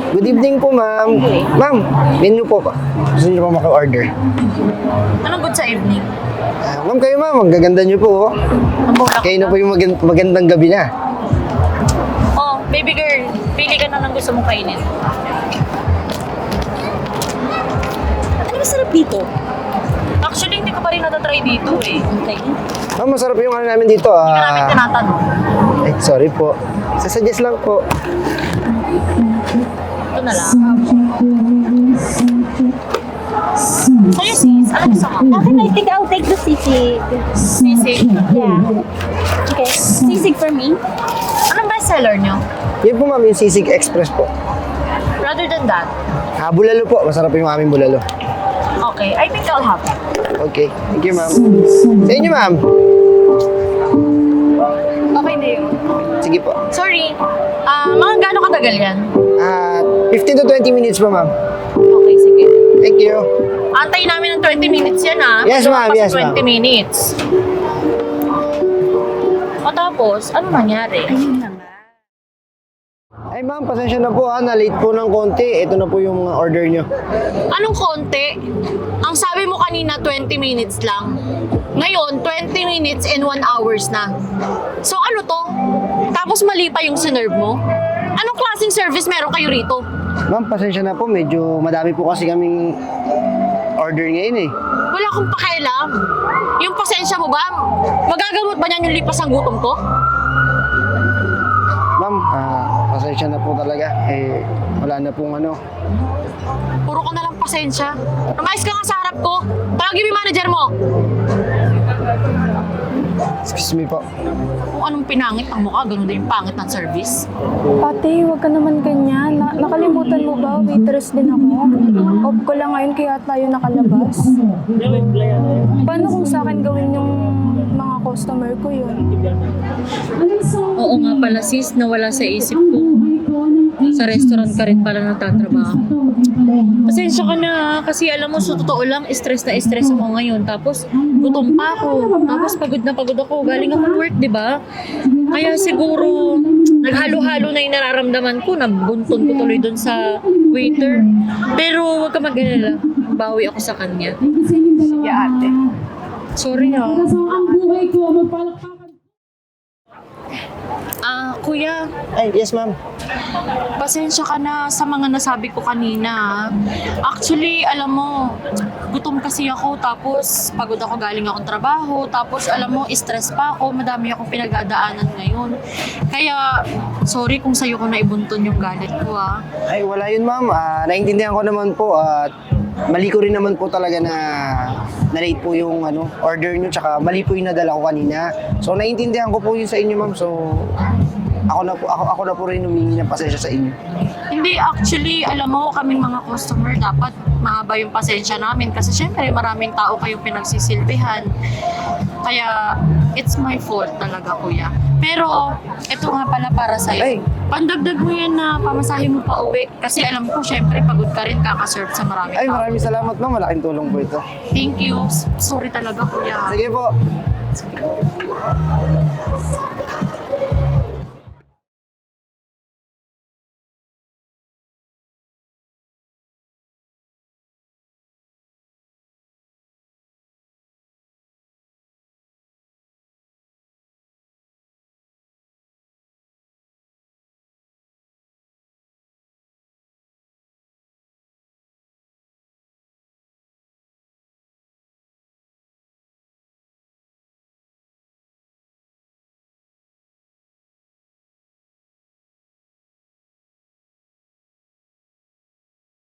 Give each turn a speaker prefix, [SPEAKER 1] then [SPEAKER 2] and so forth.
[SPEAKER 1] Good evening po, ma'am. Ma'am, menu po pa. Gusto niyo pa maka-order?
[SPEAKER 2] Anong good sa evening?
[SPEAKER 1] Ma'am, kayo ma'am, ang gaganda niyo po. Oh.
[SPEAKER 2] Ang bola
[SPEAKER 1] Kayo na po yung magandang gabi na.
[SPEAKER 2] Oh, baby girl, pili ka na ng gusto mong kainin. Ano masarap dito? Actually, hindi ko pa rin natatry dito eh. Okay.
[SPEAKER 1] Ma'am, masarap yung ano namin dito.
[SPEAKER 2] Hindi ka namin tinatanong.
[SPEAKER 1] Sorry po. Sasuggest lang po.
[SPEAKER 2] Ito na lang. Sa'yo sis, ano gusto mo?
[SPEAKER 3] Okay, I think I'll take the sisig.
[SPEAKER 2] Sisig.
[SPEAKER 3] Yeah. Okay, sisig for me.
[SPEAKER 2] Anong bestseller nyo?
[SPEAKER 1] Yan po ma'am, yung Sisig Express po.
[SPEAKER 2] Rather than that,
[SPEAKER 1] Bulalo po. Masarap yung aming bulalo.
[SPEAKER 2] okay, I think I'll have it.
[SPEAKER 1] Okay. Thank you, ma'am. Sa inyo, ma'am.
[SPEAKER 2] Okay na yun.
[SPEAKER 1] Sige po.
[SPEAKER 2] Sorry, mga gano'ng katagal yan?
[SPEAKER 1] 15 to 20 minutes po, ma'am.
[SPEAKER 2] Okay, sige.
[SPEAKER 1] Thank you.
[SPEAKER 2] Antay namin ng 20 minutes yan ha.
[SPEAKER 1] Yes,
[SPEAKER 2] Magawa
[SPEAKER 1] ma'am.
[SPEAKER 2] pa sa
[SPEAKER 1] Yes, ma'am.
[SPEAKER 2] 20 minutes. O tapos, ano nangyari?
[SPEAKER 3] Ayun na nga.
[SPEAKER 1] Ay, ma'am, pasensya na po ha. Na-late po ng konti. Ito na po yung order nyo.
[SPEAKER 2] Anong konti? Ang sabi mo kanina 20 minutes lang. Ngayon, 20 minutes and 1 hours na. So ano to? Tapos mali pa yung sinerve mo? Anong klaseng service meron kayo rito?
[SPEAKER 1] Ma'am, pasensya na po. Medyo madami po kasi kaming order ngayon eh.
[SPEAKER 2] Wala akong pakialam. Yung pasensya mo ba? Magagamot ba niyan yung lipas ng gutom ko?
[SPEAKER 1] Ma'am, pasensya na po talaga. Eh, wala na pong ano.
[SPEAKER 2] Puro ka na lang pasensya. Umayos ka nga sa harap ko. Tawagin mo yung manager mo.
[SPEAKER 1] Excuse me po.
[SPEAKER 2] Kung anong pinangit ang mukha, ganun din yung pangit ng service.
[SPEAKER 4] Ate, huwag ka naman ganyan. Nakalimutan mo ba? Waitress din ako. Off ko lang ngayon kaya tayo nakalabas. Paano kung sa akin gawin yung mga customer ko yun?
[SPEAKER 2] Oo nga pala sis, nawala sa isip ko. Sa restaurant ka rin pala nagtatrabaho. Pasensya ka na ha, kasi alam mo sa totoo lang, stress na stress ako ngayon. Tapos gutom pa ako. Tapos pagod na pagod ako. Galing ako work, di ba? Kaya siguro naghalo-halo na yung nararamdaman ko. Nabuntun ko tuloy dun sa waiter. Pero huwag ka mag-alala. Bawi ako sa kanya.
[SPEAKER 4] Sige ate.
[SPEAKER 2] Sorry ha. Kuya,
[SPEAKER 1] Ay, yes ma'am.
[SPEAKER 2] pasensya ka na sa mga nasabi ko kanina. Actually, alam mo, gutom kasi ako, tapos pagod ako, galing akong trabaho, tapos alam mo, stress pa ako, madami akong pinagdadaanan ngayon. Kaya, sorry kung sa'yo ko naibuntun yung galit ko ha.
[SPEAKER 1] Ay, wala yun ma'am. Naintindihan ko naman po at mali ko rin naman po talaga na late po yung order nyo, tsaka mali po yung nadala ko kanina. So, naintindihan ko po yun sa inyo ma'am. So, ako na po rin humingi ng pasensya sa inyo.
[SPEAKER 2] Hindi, actually, alam mo, kaming mga customer, dapat mahaba yung pasensya namin kasi syempre maraming tao kayong pinagsisilbihan. Kaya, it's my fault talaga, kuya. Pero, ito nga pala para sa'yo.
[SPEAKER 1] Ay.
[SPEAKER 2] Pandagdag mo yan na pamasahe mo pa uwi. Kasi alam ko, syempre, pagod ka rin kakaserve sa maraming
[SPEAKER 1] Ay,
[SPEAKER 2] tao.
[SPEAKER 1] maraming salamat ma'am. Malaking tulong po ito.
[SPEAKER 2] Thank you. Sorry talaga, kuya.
[SPEAKER 1] Sige po.